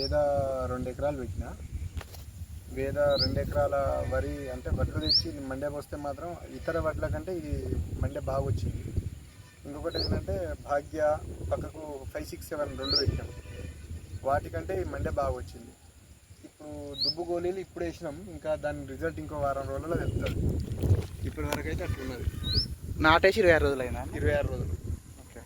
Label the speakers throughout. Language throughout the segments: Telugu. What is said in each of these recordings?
Speaker 1: వేద 2 ఎకరాలు పెట్టిన. వేద 2 ఎకరాల వరి అంటే వడ్లు తెచ్చి మండే పోస్తే మాత్రం ఇతర వడ్ల కంటే ఇది మండే బాగా వచ్చింది. ఇంకొకటి ఏంటంటే భాగ్య పక్కకు 5, 6, 7 2 పెట్టినాం. వాటికంటే ఈ మండే బాగా వచ్చింది. ఇప్పుడు దుబ్బు గోళీలు ఇప్పుడు వేసినాం, ఇంకా దాని రిజల్ట్ ఇంకో వారం రోజుల్లో తెలుస్తుంది. ఇప్పటి వరకు అయితే అట్లున్నది.
Speaker 2: నాటేసి 26 రోజులైనా?
Speaker 1: 26 రోజులు.
Speaker 2: ఓకే.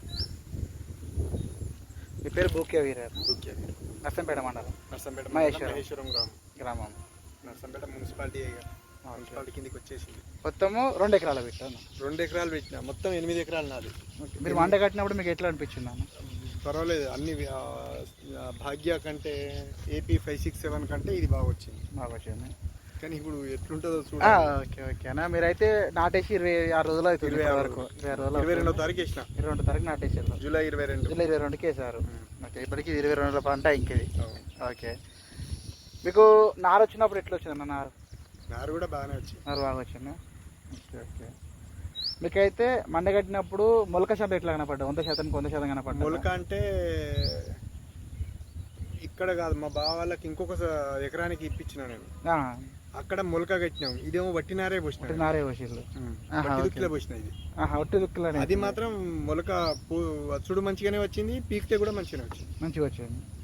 Speaker 2: మీ పేరు బూక్యా వీరారు?
Speaker 1: బూక్యా వీరు.
Speaker 2: నర్సంపేట మండలం?
Speaker 1: నర్సంపేట
Speaker 2: మహేశ్వరం
Speaker 1: గ్రామం. నర్సంపేట మున్సిపాలిటీ కిందికి వచ్చేసింది.
Speaker 2: మొత్తము 2 ఎకరాలు పెట్టాను.
Speaker 1: 2 ఎకరాలు పెట్టినా, మొత్తం 8 ఎకరాలు నాది.
Speaker 2: మీరు మండ కట్టినప్పుడు మీకు ఎట్లా అనిపించింది అన్న?
Speaker 1: పర్వాలేదు, అన్ని భాగ్య కంటే ఏపీ 5, 6, 7 కంటే ఇది బాగా వచ్చింది. కానీ ఇప్పుడు ఎట్లుంటుందో చూడాలి.
Speaker 2: ఓకే ఓకే అన్న. మీరైతే నాటేసి 26 రోజులు అవుతుంది.
Speaker 1: 22వ తారీఖు వేసిన.
Speaker 2: 22వ తారీఖు నాటేసారు.
Speaker 1: జూలై
Speaker 2: 22కి వేసారు. ఓకే. ఇప్పటికి 22 రోజుల పంట ఇంకేది. ఓకే. మీకు నారు వచ్చినప్పుడు ఎట్లా వచ్చిందన్న?
Speaker 1: నారు కూడా బాగానే వచ్చింది.
Speaker 2: నారు బాగా వచ్చిందా? Okay okay. మీకైతే మండ కట్టినప్పుడు మొలక శాతం ఎట్లా కనపడ్డా? 100% 100% కనపడ్డా?
Speaker 1: మొలక అంటే ఇక్కడ కాదు, మా బావ వాళ్ళకి ఇంకొక ఎకరానికి ఇప్పించిన నేను. అక్కడ మొలక కట్టినాం, ఇదేమో వట్టినారే పోసిన.
Speaker 2: నారే పోసిళ్ళు.
Speaker 1: పోసిన ఇది.
Speaker 2: ఒట్టి దుక్కులనే.
Speaker 1: అది మాత్రం మొలక వచ్చుడు మంచిగానే వచ్చింది, పీకితే కూడా మంచిగానే వచ్చింది.
Speaker 2: మంచిగా వచ్చింది.